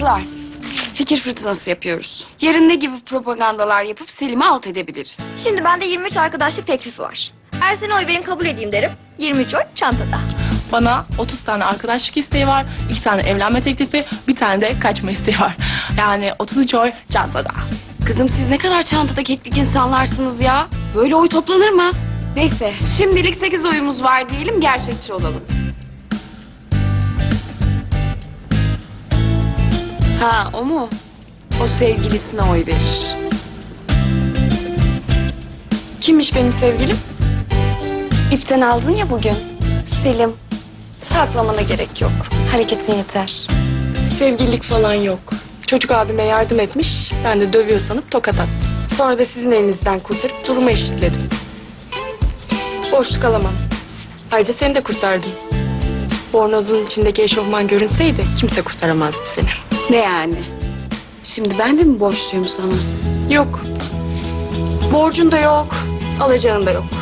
Kızlar, fikir fırtınası yapıyoruz. Yarın ne gibi propagandalar yapıp Selim'i alt edebiliriz? Şimdi bende 23 arkadaşlık teklifi var. Ersene oy verin kabul edeyim derim. 23 oy çantada. Bana 30 tane arkadaşlık isteği var, 2 tane evlenme teklifi, bir tane de kaçma isteği var. Yani 33 oy çantada. Kızım siz ne kadar çantada keklik insanlarsınız ya. Böyle oy toplanır mı? Neyse, şimdilik 8 oyumuz var diyelim, gerçekçi olalım. Ha, o mu? O sevgilisine oy verir. Kimmiş benim sevgilim? İpten aldın ya bugün. Selim. Saklamana gerek yok. Hareketin yeter. Sevgililik falan yok. Çocuk abime yardım etmiş, ben de dövüyor sanıp tokat attım. Sonra da sizin elinizden kurtarıp durumu eşitledim. Boşluk alamam. Ayrıca seni de kurtardım. Bornozun içindeki eşofman görünseydi kimse kurtaramazdı seni. Ne yani? Şimdi ben de mi borçluyum sana? Yok. Borcun da yok, alacağın da yok.